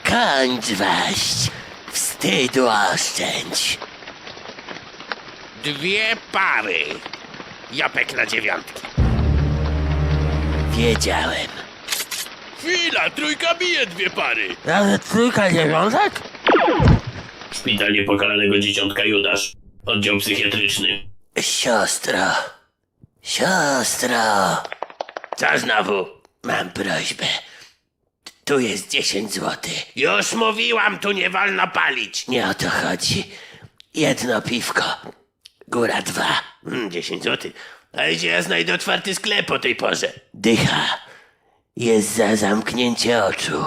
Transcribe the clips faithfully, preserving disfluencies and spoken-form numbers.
Kończ waść. Wstydu oszczędź. Dwie pary. Japek na dziewiątki. Wiedziałem. Chwila, trójka bije dwie pary. Ale trójka dziewiątek? Szpital Niepokalanego Dzieciątka Judasz. Oddział psychiatryczny. Siostro. Siostro. Co znowu? Mam prośbę. Tu jest dziesięć złotych. Już mówiłam, tu nie wolno palić. Nie o to chodzi. Jedno piwko. Góra dwa. Hmm, dziesięć złotych. A gdzie ja znajdę otwarty sklep o tej porze? Dycha. Jest za zamknięcie oczu.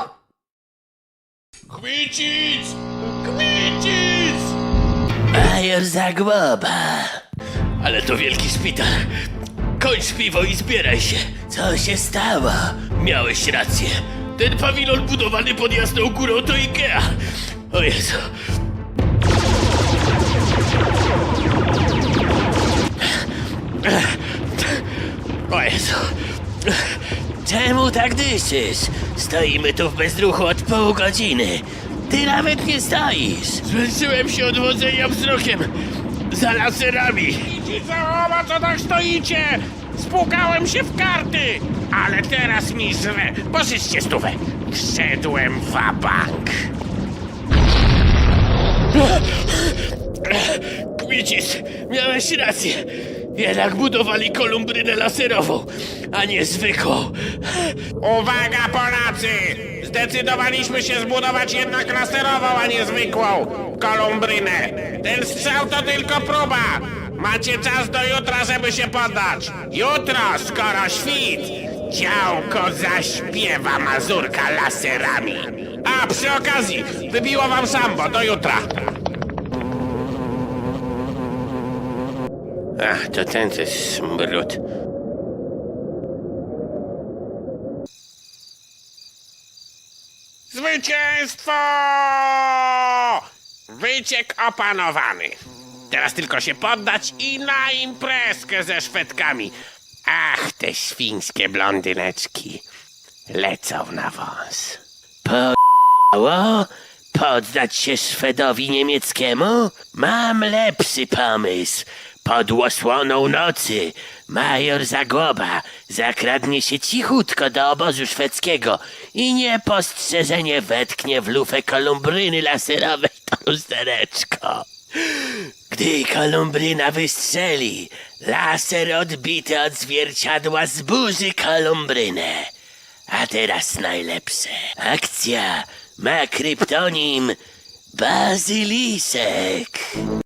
Chwycić! Chwycić! Major Zagłoba. Ale to wielki szpital. Kończ piwo i zbieraj się. Co się stało? Miałeś rację. Ten pawilon budowany pod Jasną Górą to Ikea. O Jezu. O Jezu. Czemu tak dyszysz? Stoimy tu w bezruchu od pół godziny. Ty nawet nie stoisz. Zmęczyłem się od wodzenia wzrokiem za laserami. Idźcie za co tak stoicie? Spłukałem się w karty. Ale teraz mi żre. Pożyczcie stówę. Wszedłem w bank. Kmicis, miałeś rację. Jednak budowali kolumbrynę laserową, a nie zwykłą. Uwaga, Polacy! Zdecydowaliśmy się zbudować jednak laserową, a nie zwykłą kolumbrynę. Ten strzał to tylko próba. Macie czas do jutra, żeby się poddać. Jutro, skoro świt, działko zaśpiewa mazurka laserami. A przy okazji, wybiło wam sambo. Do jutra. Ach, to ten to jest smród. Zwycięstwo! Wyciek opanowany. Teraz tylko się poddać i na imprezkę ze Szwedkami. Ach, te świńskie blondyneczki lecą na wąs. Po... Poddać się Szwedowi niemieckiemu? Mam lepszy pomysł. Pod osłoną nocy major Zagłoba zakradnie się cichutko do obozu szwedzkiego i niepostrzeżenie wetknie w lufę kolumbryny laserowej to lustereczko. Gdy kolumbryna wystrzeli, laser odbity od zwierciadła zburzy kolumbrynę. A teraz najlepsze. Akcja ma kryptonim Bazylisek.